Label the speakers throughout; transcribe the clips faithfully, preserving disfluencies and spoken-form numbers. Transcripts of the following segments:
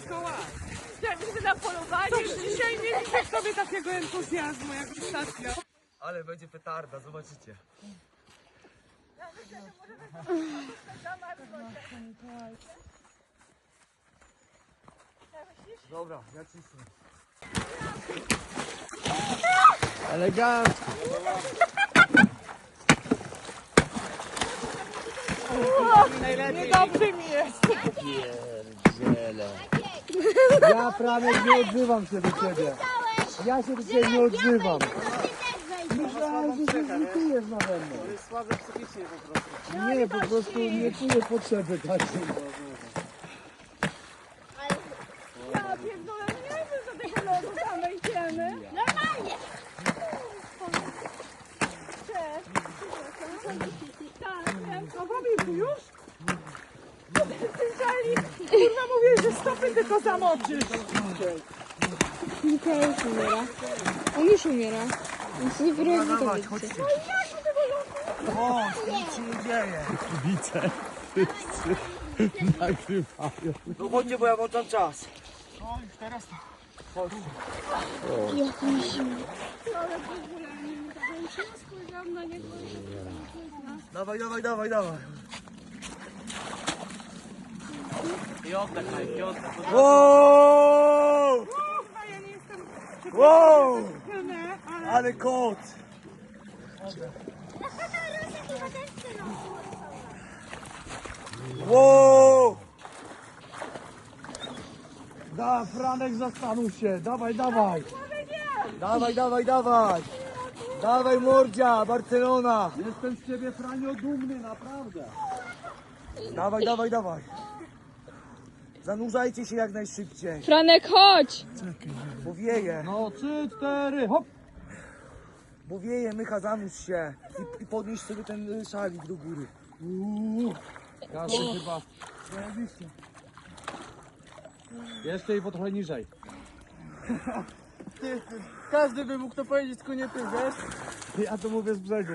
Speaker 1: Mikołaj.
Speaker 2: Ja widzę na polowanie.
Speaker 1: Coś dzisiaj nie widzę w sobie takiego entuzjazmu jak ostatnio.
Speaker 3: Ale będzie petarda, zobaczycie. Dobra, ja cisnę. Elegancko.
Speaker 1: Niedobrze mi jest.
Speaker 3: Pierdziele. Ja Franek nie odzywam się do ciebie. Ja się do ciebie nie odzywam. Myślałem, że się zlitujesz nade mną.
Speaker 4: To jest słabe psychicznie po prostu.
Speaker 3: Nie, po prostu nie czuję potrzeby takiej.
Speaker 2: Ja pierdolę, nie wiem, że tego lodu tam wejdziemy. Normalnie. Tak, wiem.
Speaker 1: No Bobby, już? Słyszeli? Kurwa mówię, że stopy tylko zamoczysz.
Speaker 5: Mikołaj już umiera. On już umiera. Więc nie wyrobi to
Speaker 3: Dawaj,
Speaker 5: wiecie.
Speaker 3: chodźcie. Chodź, nic się nie dzieje. Widzę. Wszyscy nagrywają. No chodźcie, bo ja włączam czas.
Speaker 4: No już teraz to.
Speaker 3: Chodźcie.
Speaker 5: Jak mi zimno.
Speaker 2: Spojrzałam na niego.
Speaker 3: Dawaj, dawaj, dawaj, dawaj.
Speaker 4: I oddech, i oddech.
Speaker 3: Wow!
Speaker 1: Kurwa, ja nie jestem
Speaker 3: Wow!
Speaker 1: przekonana, ale...
Speaker 3: Ale kot! Wow! Da, Franek, zastanów się. Dawaj, dawaj. Dawaj, dawaj, dawaj. Dawaj, mordzia, Barcelona. Jestem z ciebie, Franio, dumny, naprawdę. Dawaj, dawaj, dawaj. Zanurzajcie się jak najszybciej,
Speaker 5: Franek, chodź!
Speaker 3: bo wieje.
Speaker 4: No trzy, cztery, hop!
Speaker 3: Bo wieje, Mycha, zanurz się i, i podnieś sobie ten y, szalik do góry.
Speaker 4: Ja się chyba. Jeszcze i po trochę niżej. Ty, ty, każdy by mógł to powiedzieć, tylko nie ty, wiesz?
Speaker 3: Ja to mówię z brzegu.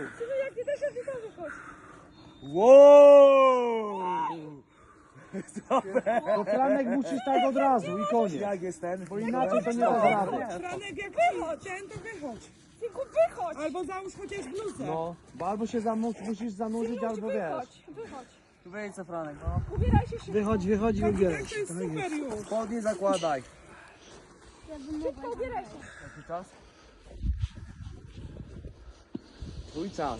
Speaker 3: Wow!
Speaker 4: To Franek musisz tak od razu i koniec.
Speaker 3: Jak jest ten?
Speaker 4: Bo inaczej to nie da rady.
Speaker 1: Franek, jak wychodź, ten to wychodź.
Speaker 2: Tylko wychodź.
Speaker 1: Albo załóż chociaż bluzę.
Speaker 4: No, bo albo się zamu- musisz zanurzyć, albo wiesz.
Speaker 2: Wychodź, wychodź.
Speaker 4: Tu wejdź co Franek, no.
Speaker 2: Ubieraj się szybko.
Speaker 4: Wychodź, wychodź i
Speaker 1: Tak,
Speaker 4: ubieraj
Speaker 1: to
Speaker 4: się.
Speaker 1: jest super już.
Speaker 3: Spodnie zakładaj.
Speaker 2: Szybko ubieraj się.
Speaker 4: Jaki czas?
Speaker 3: Twój czas.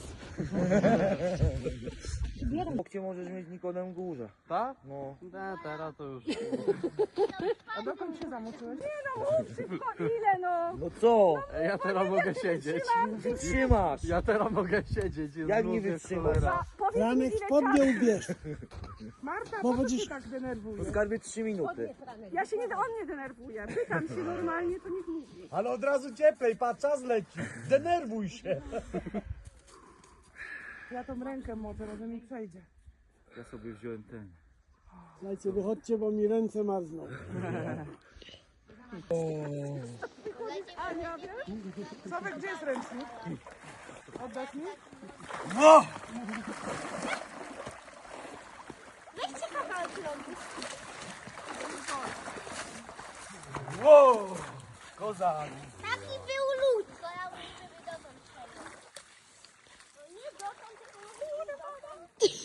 Speaker 3: Gdzie możesz mieć Nikodem górze?
Speaker 4: Tak?
Speaker 3: No.
Speaker 4: Da, teraz to już.
Speaker 1: A dokąd się zamoczyłeś?
Speaker 2: Szybko, ile no?
Speaker 3: No co?
Speaker 4: Ja teraz mogę siedzieć.
Speaker 3: Wytrzymasz.
Speaker 4: Ja teraz mogę siedzieć. jest
Speaker 3: Jak nie
Speaker 4: lubię,
Speaker 3: wytrzymasz?
Speaker 4: cholera.
Speaker 2: Powiedz mi,
Speaker 6: Franek,
Speaker 2: ile
Speaker 6: spodnie ubierz.
Speaker 1: Marta,
Speaker 6: Bo
Speaker 1: po co
Speaker 6: będziesz-
Speaker 1: się tak denerwuje?
Speaker 3: Po skarbie trzy minuty.
Speaker 2: Ja się nie, on nie denerwuje. Pytam się normalnie, to niech mówi.
Speaker 6: Ale od razu cieplej, patrz, czas leci. Denerwuj się.
Speaker 1: Ja tą rękę moczę, może mi przejdzie.
Speaker 4: Ja sobie wziąłem ten.
Speaker 6: Słuchajcie, wychodźcie, bo mi ręce marzną.
Speaker 1: Ania, wiesz? Sławek, gdzie jest ręcznik? Oddasz mi?
Speaker 3: No!
Speaker 2: Weźcie kawałek lądu.
Speaker 3: Wow! Kozak!
Speaker 7: Taki był lód, to ja mówię, żeby dotąd przejść. No nie dotąd, tylko mówię dotąd.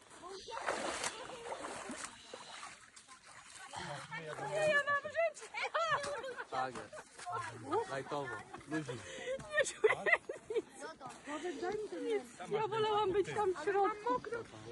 Speaker 2: Nie, ja mam żyć.
Speaker 4: Tak jest. Lajtowo. Luzik.
Speaker 2: Nie czuję nic. Ja wolałam być tam w środku.